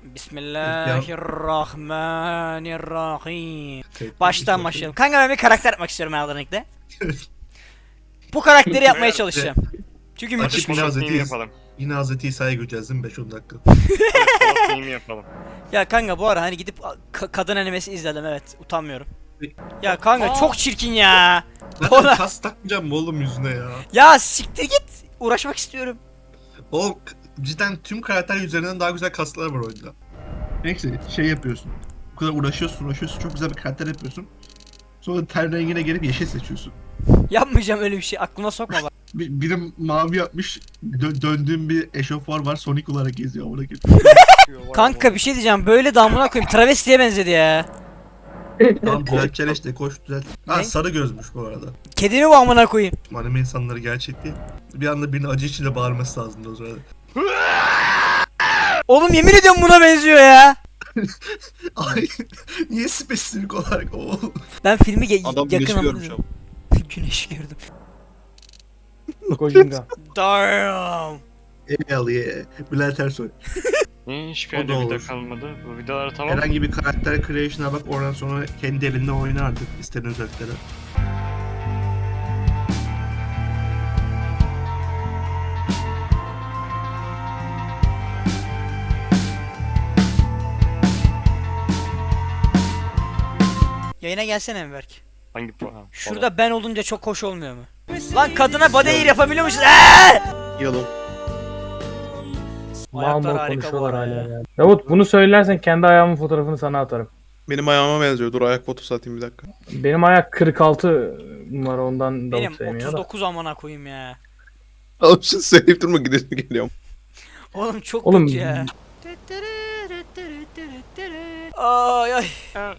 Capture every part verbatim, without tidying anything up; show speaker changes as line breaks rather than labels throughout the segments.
Bismillahirrahmanirrahim. Baştan başlayalım. Kanka ben bir karakter yapmak istiyorum herhalde. Bu karakteri yapmaya çalışacağım. Çünkü müthiş
Açık
bir
yine
şey.
Hazreti yapalım.
Yine Hazreti İsa'ya göreceğiz değil mi beş on dakika?
Polat yapalım.
Ya kanka bu ara hani gidip ka- kadın animesi izledim, evet, utanmıyorum. Ya kanka çok çirkin ya.
Zaten
Ona-
kas takmayacağım mı oğlum yüzüne ya?
Ya siktir git. Uğraşmak istiyorum.
Oğlum k- cidden tüm karakter üzerinden daha güzel kaslar var oyunda. Neyse şey yapıyorsun. Bu kadar uğraşıyorsun uğraşıyorsun çok güzel bir karakter yapıyorsun. Sonra ten rengine gelip yeşil seçiyorsun.
Yapmayacağım öyle bir şey. Aklıma sokma bak.
Bir, biri mavi yapmış, dö- döndüğüm bir eşofman var, Sonic olarak geziyor amına koyayım.
Kanka bir şey diyeceğim. Böyle damına koyayım. Travestiye benzedi ya.
Tamam düzelteceksin işte koş düzelt. Ha
Ne?
sarı gözmüş bu arada.
Kedi mi bu amına koyayım?
Anime insanları gerçek değil. Bir anda birinin acı içinde bağırması lazımdı o sırada.
Oğlum yemin ediyorum buna benziyor ya.
Ay niye spesifik olarak o?
Ben filmi ge-
Adam
yakın
güneşi
ama-
görmüş ama.
Güneş gördüm.
Kojinga.
Damn.
Hell yeah. Bülent Ersoy.
Hiçbir
O
yerde
da
video
olur.
kalmadı. Bu videoları tamam mı?
Herhangi bir karakter creation'a bak oradan sonra kendi elinde oyna artık istediğin özellikleri.
Yayına gelsene Enberk.
Hangi puan?
Şurada ben olunca çok hoş olmuyor mu? Lan kadına body air yapabiliyor musun? Eee!
Yalın.
Mal
Ayaklar
mal
harika bu
konuşuyorlar
arada
hala
ya.
ya. Davut bunu söylersen kendi ayağımın fotoğrafını sana atarım.
Benim ayağıma benziyor. Dur ayak fotosu atayım bir dakika.
Benim ayak kırk altı numara ondan
Benim
Davut sevmiyor
otuz
da.
dokuz amına koyayım ya.
Oğlum şunu söyleyip durma gidelim geliyorum.
Oğlum çok
Oğlum-
kötü ya. Ay ay.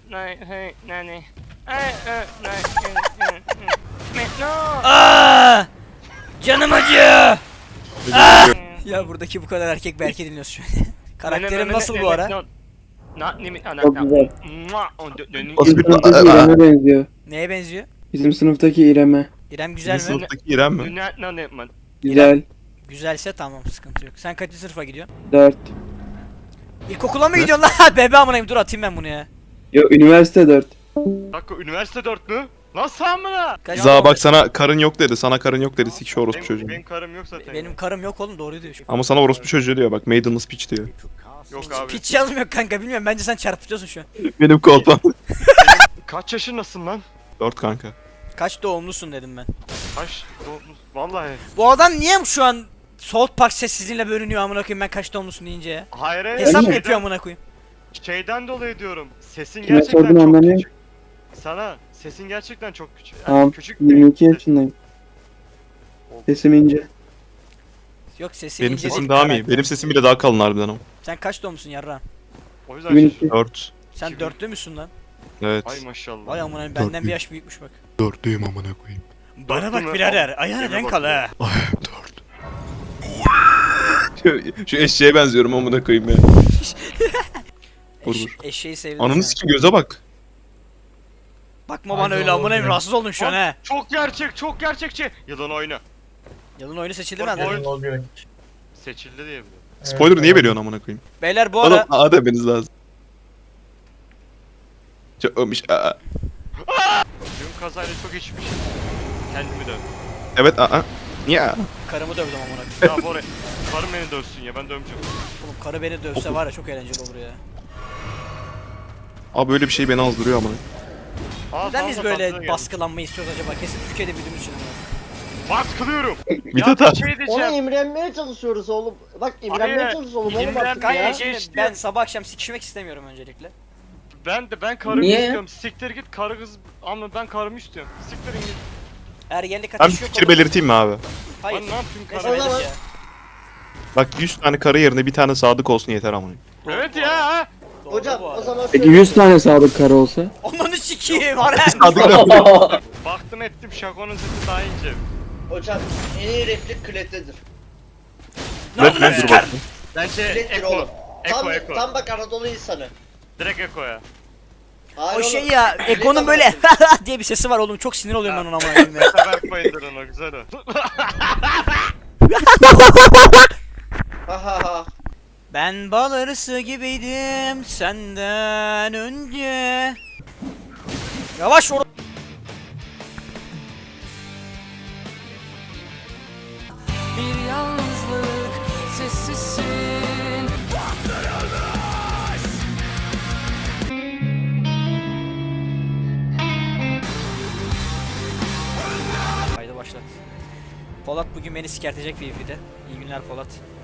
Aa! Canım acıyor. Aa! Ya buradaki bu kadar erkek belki dinliyorsun şu an. Karakterim nasıl bu ara?
Çok güzel.
Nasıl
Bizim
bir-
sınıftaki İrem'e benziyor.
Neye benziyor?
Bizim sınıftaki İrem'e.
İrem güzel mi?
Sınıftaki İrem mi?
Güzel.
Güzelse tamam, sıkıntı yok. Sen kaçıncı sınıfa gidiyorsun?
Dört.
İlkokula mı gidiyorsun lan? Bebe amınayım, dur atayım ben bunu ya.
Yo üniversite dört.
Dakika üniversite dört mü? Nasıl amına?
Kaç-
Za bak sana karın yok dedi. Sana karın yok dedi. Sik şu orospu
Benim,
çocuğu.
benim karım yok zaten.
Benim karım yok oğlum, doğru diyor.
Ama sana orospu çocuğu diyor bak. Maidenless pitch diyor.
Yok abi.
Piç yazmıyor kanka, bilmiyorum, bence sen çarpıtıyorsun şu an.
Benim kolpam.
Kaç yaşındasın lan?
Dört kanka.
Kaç doğumlusun dedim ben.
Kaç doğumlusun? Vallahi.
Bu adam niye şu an South Park sessizliğiyle bölünüyor amına koyayım ben kaç doğumlusun deyince ya?
Hayır hayır.
Hesap mı
şeyden-
yapıyor amına koyayım?
Şeyden dolayı diyorum. Sesin
Kime
gerçekten
sordun
çok
anlamıyorum.
küçük. Sana sesin gerçekten çok küçük. Yani
Tamam.
küçük
yirmi iki yaşındayım. Sesim ince.
Yok sesin
Benim
ince değil,
sesim daha mı iyi?
karakter.
Benim sesim bile daha kalın harbiden ama.
Sen kaç doğumlusun yarra?
O yüzden
iki bin
şaşırdım.
iki.
Dört.
Sen
iki bin.
dörtlü müsün lan?
Evet.
Ay maşallah.
Vay amına koyayım, benden bir yaş büyükmüş bak.
Dörtlüyüm amına koyayım.
Bana
Dörtlü
bak
mü?
birader, ayağına
Yeme
denk
bak
al ha.
Ay dört. şu, şu eşeğe benziyorum amına koyayım ya. Vur
Eş,
vur.
eşeği sevdim.
Ananı
ya.
sikim göze bak.
Bakma bana öyle amına koyayım, rahatsız oldum şu an ha.
Çok gerçek, çok gerçekçi. Yılan oyna.
Yılın oyunu seçildi mi
Bak,
lan?
oyun- Seçildi diye biliyorum.
Spoiler niye veriyorsun amına koyayım?
Beyler bu
Oğlum
ara
A demeniz lazım. Çok ölmüş. Aa.
Dün kazayla çok içmişim. Kendimi dövdüm.
Evet aa. Ya.
karımı dövdüm amına koyayım.
Ya Bora, karım beni dövsün ya, ben dövmeyeceğim.
Oğlum karı beni dövse var ya çok eğlenceli olur ya.
Abi böyle bir şey beni azdırıyor amına.
Aa,
Neden biz
fazla tatlıya
böyle
geldim.
baskılanmayı istiyoruz acaba? Kesin Türkiye'de büyüdüğümüz için ama.
Baskılıyorum.
Mithat
ya
abi.
bir şey
Ona
diyeceğim.
imrenmeye çalışıyoruz oğlum. Bak imrenmeye
Hayır,
çalışıyoruz oğlum
imren-
artık
Kanka
ya.
şimdi
geçti.
ben sabah akşam sikişmek istemiyorum öncelikle.
Ben de ben karımı
Niye?
istiyorum. Siktir git karı kız ama ben karımı istiyorum. Siktirin git.
Ergenlik
Ben bir
ateşi yok
fikir
oğlum.
belirteyim mi abi?
Hayır.
Ben ne yapayım
Neyse
karı?
O zaman-
belir ya.
Bak yüz tane karı yerine bir tane sadık olsun yeter amına.
Doğru
Evet
bu
ya.
arada.
ha.
Doğru
Hocam
bu
o
arada.
zaman
Peki
şöyle-
yüz tane sadık karı olsa?
Onları sikiyim var ha.
Sadık
Baktım ettim şakonun sesi daha ince.
Hocam en iyi replik Klet'tedir.
Evet ben dur
Sikar.
bakayım.
Bence
Klet'tir
Eko.
oğlum. Tam,
Eko Eko.
tam bak Anadolu insanı.
Direkt Eko'ya.
Hayır
O
oğlum.
şey ya,
Klet
Eko'nun böyle
amına
diye bir sesi var oğlum, çok sinir oluyorum ben ona amına koyayım ya.
Sever koydur onu güzel o.
Ha ha ha.
Ben bal arısı gibiydim senden önce. Yavaş or.
Bir yalnızlık sessizsin.
Haydi başlat. Polat bugün beni sikertecek bir videoda. İyi günler Polat.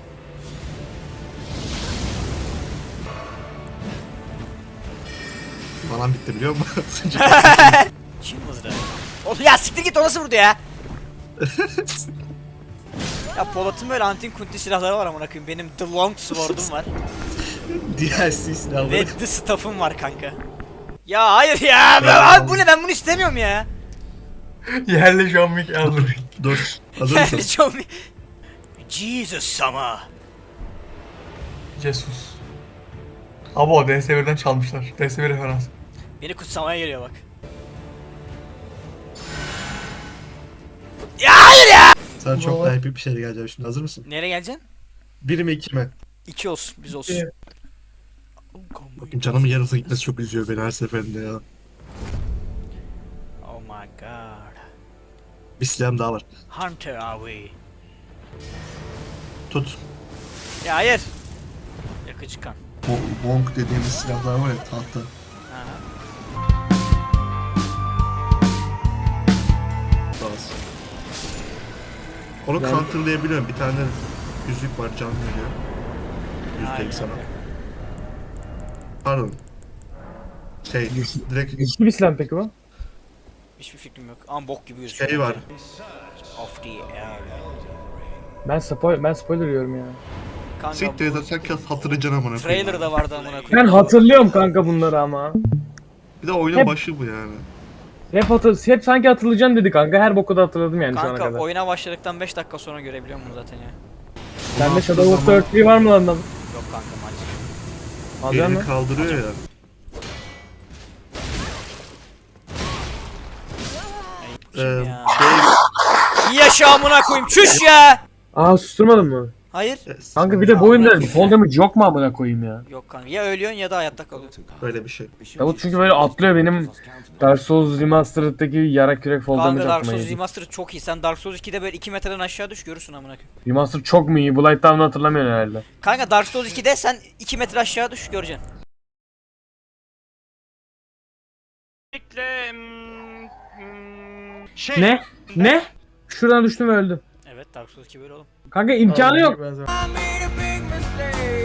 Falan bitti biliyor musun?
Çin mızrağı. Oğlum ya siktir git, o nasıl vurdu ya? Ya Polat'ın böyle antin kunti silahları var amına koyayım. Benim The Long Sword'um var.
D L C silahları.
Ve The Staff'ım var kanka. Ya hayır ya. Ben, abi bu ne, ben bunu istemiyorum ya.
Yerli John Wick aldım.
Dur. Hazır mısın?
Çok Jesus sama.
Jesus. Abi o D S bir'den çalmışlar. D S bir referans.
Beni kutsamaya geliyor bak. Ya hayır ya.
Sana çok daha epik bir şeyle geleceğim şimdi. Hazır mısın?
Nereye geleceksin?
Bir mi iki mi?
İki olsun, biz olsun.
İki.
Bakın canımın yarısı gitmesi çok üzüyor beni her seferinde ya.
Oh my god.
Bir silahım daha var.
Hunter are we?
Tut.
Ya hayır. Yakıcı kan.
Bo- Bonk dediğimiz silahlar var ya, tahta.
Aha.
Bazı. Onu counterlayabiliyorum. Bir tane yüzük var, can veriyor.
Aynen.
Yüzdeyim sana. Pardon. Şey, direkt
İki bir silah mı peki bu?
Hiçbir fikrim yok. Ama bok gibi gözüküyor.
şey var.
Of the air.
Ben spoil ben spoiler yiyorum ya.
Kanka
Siktir
bu
et, sen kes hatırlayacaksın amına koyayım.
trailer'da vardı amına koyayım.
Ben hatırlıyorum kanka bunları ama.
Bir de oyunun
Hep-
başı bu yani.
Hep hatır, hep sanki hatırlayacağım dedi kanka. Her boku da hatırladım yani şu ana
Kanka
kadar.
oyuna başladıktan beş dakika sonra görebiliyorum bunu zaten ya.
Sende Shadow of the Earthly var mı lan?
Yok kanka maalesef.
Alacak
Elini
mı?
kaldırıyor ya.
Kim
Ee,
ya?
şey,
Yaşa amına koyayım, çüş ya.
Aa susturmadın mı?
Hayır.
Kanka bir de bu oyunda fall damage yok mu amına koyayım ya?
Yok kanka, ya ölüyorsun ya da hayatta kalıyorsun.
böyle bir şey.
Davut çünkü böyle atlıyor benim Dark Souls Remastered'daki yarak yürek fall damage
Kanka Dark
aklıma
Souls
geldi.
Remastered çok iyi. Sen Dark Souls ikide böyle iki metreden aşağı düş, görürsün amına koyayım.
Remastered çok mu iyi? Bu Lightdown'u hatırlamıyorum herhalde.
Kanka Dark Souls ikide sen iki metre aşağı düş, göreceksin.
Bekle. hmm, hmm, Şey.
Ne? Ne? Şuradan düştüm ve öldüm.
Evet, Dark Souls iki böyle oğlum.
Kanka imkanı yok.
I made a big mistake.